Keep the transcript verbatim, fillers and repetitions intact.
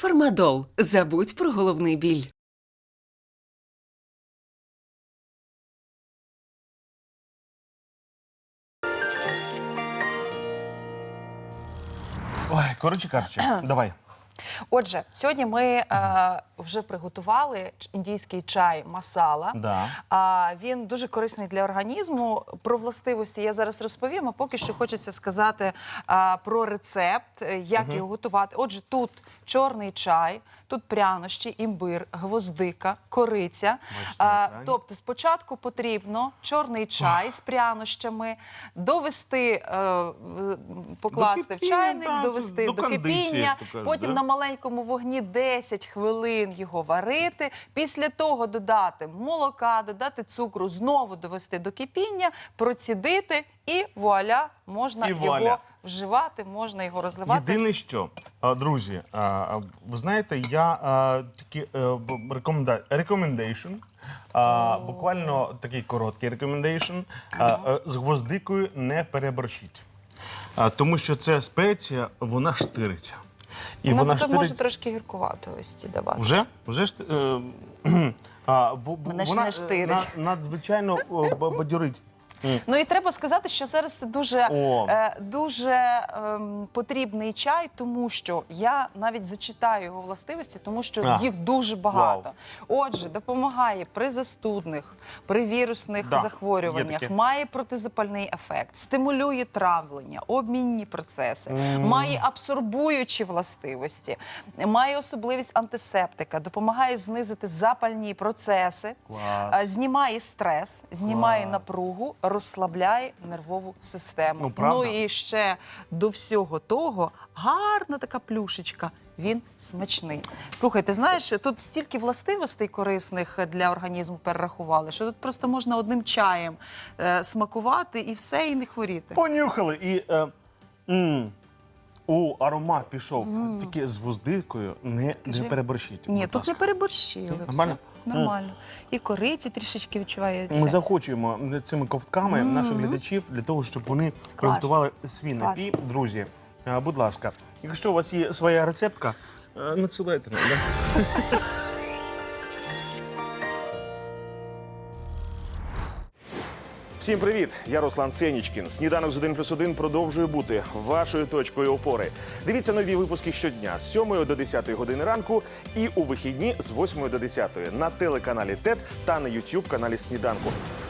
Фармадол. Забудь про головний біль. Ой, коротше кажучи, давай. Отже, сьогодні ми е, вже приготували індійський чай масала. Да. А, він дуже корисний для організму. Про властивості я зараз розповім, а поки що хочеться сказати е, про рецепт, як Угу. його готувати. Отже, тут чорний чай, тут прянощі, імбир, гвоздика, кориця. Бачите, А, на екрані. тобто спочатку потрібно чорний чай з прянощами довести, е, в- покласти До в кипіння, чайник, так, довести до до, кондиції, кипіння, як то кажуть, потім да? на маленькому вогні десять хвилин його варити. Після того додати молока, додати цукру, знову довести до кипіння, процідити і вуаля, можна І його вуаля. вживати, можна його розливати. Єдине що, а, друзі, а, а, ви знаєте, я а, такі е, б- рекоменда... recommendation, а, буквально такий короткий recommendation, а, е, з гвоздикою не переборщіть. А, тому що це спеція, вона штириться. І Вона вона потім штирить... може трошки гіркуватості давати. Вже? Вже ж, е, кхм. а, в- в- Мене ще вона не е, штирить. на- надзвичайно о, б- бадьорить. М. Ну і треба сказати, що зараз це дуже, О. е, дуже ем, потрібний чай, тому що я навіть зачитаю його властивості, тому що А. їх дуже багато. Отже, допомагає при застудних, при вірусних Да, є захворюваннях, таке. має протизапальний ефект, стимулює травлення, обмінні процеси, М. має абсорбуючі властивості, має особливість антисептика, допомагає знизити запальні процеси. Клас. А, знімає стрес, знімає Клас. напругу, розслабляє нервову систему. Ну, правда. і ще до всього того гарна така плюшечка. Він смачний. Слухай, ти знаєш, тут стільки властивостей корисних для організму перерахували, що тут просто можна одним чаєм е, смакувати і все, і не хворіти. Понюхали і е, м, у аромат пішов. Тільки з гвоздикою не, не Кажи. переборщіть. Ні, будь тут не ласка. переборщили. Ні, Все. нормально? Нормально. І кориці трішечки відчувається. Ми захочуємо цими ковтками наших глядачів для того, щоб вони приготували свій Клас. напій. Друзі, е, будь ласка, якщо у вас є своя рецептка, е, надсилайте нам. да? Всім привіт! Я Руслан Сенічкін. Сніданок з один плюс один продовжує бути вашою точкою опори. Дивіться нові випуски щодня з сьомої до десятої години ранку і у вихідні з восьмої до десятої на телеканалі ТЕТ та на ютуб каналі Сніданку.